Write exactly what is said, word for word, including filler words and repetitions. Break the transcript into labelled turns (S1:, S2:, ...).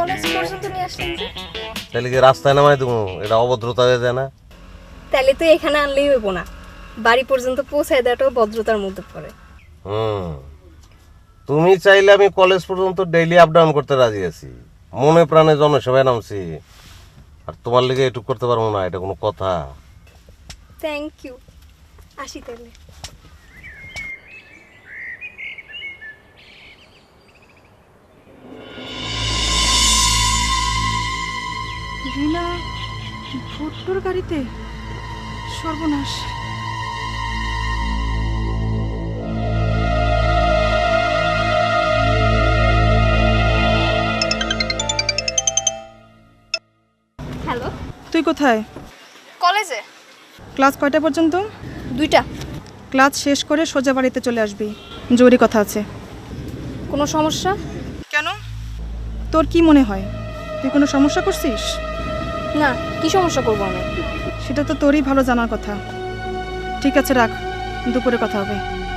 S1: College পর্যন্ত নিয়ে আসলেন যে?
S2: তাহলে কি রাস্তায় নামাই দেবো? এটা অভদ্রতা হয়ে যায় না?
S1: তাহলে তো এখানে আনলেই হইব না, বাড়ি পর্যন্ত পৌঁছায় দেওয়াটাও ভদ্রতার মধ্যে পড়ে।
S2: হুম, তুমি চাইলে আমি কলেজ পর্যন্ত ডেইলি আপ ডাউন করতে রাজি আছি, মনে প্রাণে জনসেবায় নামছি। আর তোমার লিগে এটুক করতে পারবো না, এটা কোনো কথা?
S1: থ্যাংক ইউ, আসি তাহলে।
S3: রিনা ভুট্টোর গাড়িতে? সর্বনাশ।
S1: হ্যালো,
S3: তুই কোথায়?
S1: কলেজে।
S3: ক্লাস কয়টা পর্যন্ত?
S1: দুইটা।
S3: ক্লাস শেষ করে সোজা বাড়িতে চলে আসবি, জরুরি কথা আছে।
S1: কোনো সমস্যা?
S3: কেন? তোর কি মনে হয় তুই কোনো সমস্যা করছিস?
S1: না, কি সমস্যা করবো আমি?
S3: সেটা তো তোরই ভালো জানার কথা। ঠিক আছে, রাখ, দুপুরে কথা হবে।